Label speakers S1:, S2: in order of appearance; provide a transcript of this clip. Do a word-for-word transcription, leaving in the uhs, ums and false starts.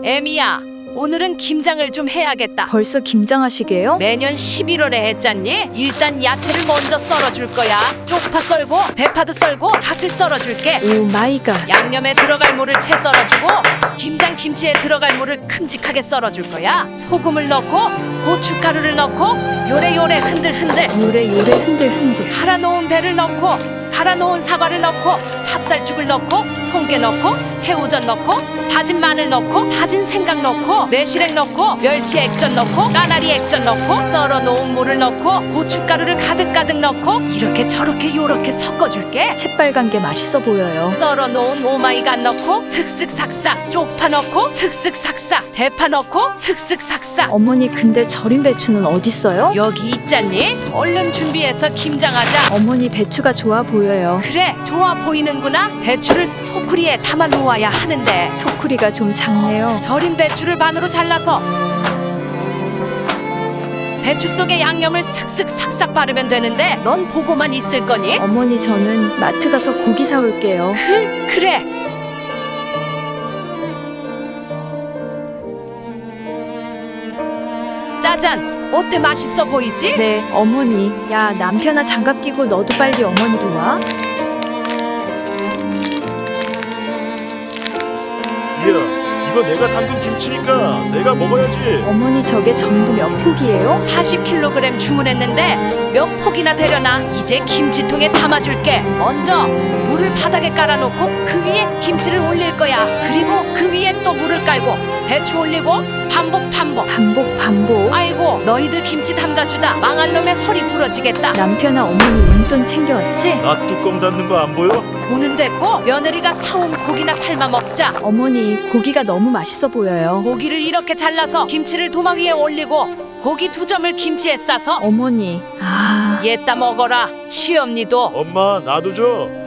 S1: 애미야, 오늘은 김장을 좀 해야겠다.
S2: 벌써 김장하시게요?
S1: 매년 십일월에 했잖니? 일단 야채를 먼저 썰어줄 거야. 쪽파 썰고 대파도 썰고 팥을 썰어줄게.
S2: 오 마이 갓.
S1: 양념에 들어갈 물을 채 썰어주고 김장 김치에 들어갈 물을 큼직하게 썰어줄 거야. 소금을 넣고 고춧가루를 넣고 요래요래 흔들흔들
S2: 요래 요래 흔들 흔들.
S1: 갈아놓은 배를 넣고 갈아놓은 사과를 넣고 찹쌀죽을 넣고 통깨 넣고 새우젓 넣고 다진 마늘 넣고 다진 생강 넣고 매실액 넣고 멸치 액젓 넣고 까나리 액젓 넣고 썰어놓은 물을 넣고 고춧가루를 가득가득 넣고 이렇게 저렇게 요렇게 섞어줄게.
S2: 새빨간 게 맛있어 보여요.
S1: 썰어놓은 오마이갓 넣고 슥슥삭삭 쪽파 넣고 슥슥삭삭 대파 넣고 슥슥삭삭.
S2: 어머니 근데 절인 배추는 어딨어요?
S1: 여기 있잖니? 얼른 준비해서 김장하자.
S2: 어머니 배추가 좋아 보여요.
S1: 그래, 좋아 보이는구나. 배추를 소쿠리에 담아 놓아야 하는데
S2: 소쿠리가 좀 작네요.
S1: 절인 배추를 반으로 잘라서 배추 속에 양념을 슥슥 삭삭 바르면 되는데 넌 보고만 있을 거니?
S2: 어머니 저는 마트 가서 고기 사올게요.
S1: 그, 그래. 짜잔, 어때? 맛있어 보이지?
S2: 네 어머니. 야 남편아 장갑 끼고 너도 빨리 어머니 도와.
S3: 이야, 이거 내가 담근 김치니까 내가 먹어야지.
S2: 어머니 저게 전부 몇 포기예요?
S1: 사십 킬로그램 주문했는데 몇 폭이나 되려나? 이제 김치통에 담아줄게. 먼저 물을 바닥에 깔아놓고 그 위에 김치를 올릴 거야. 그리고 그 위에 또 물을 깔고 배추 올리고 반복 반복.
S2: 반복 반복.
S1: 아이고, 너희들 김치 담가주다 망할 놈의 허리 부러지겠다.
S2: 남편아 어머니 용돈 챙겨왔지?
S3: 나 뚜껑 닫는 거 안 보여?
S1: 보는 됐고 며느리가 사온 고기나 삶아 먹자.
S2: 어머니 고기가 너무 맛있어 보여요.
S1: 고기를 이렇게 잘라서 김치를 도마 위에 올리고 고기 두 점을 김치에 싸서
S2: 어머니 아
S1: 얘따 먹어라. 시엄니도
S3: 엄마, 나도 줘.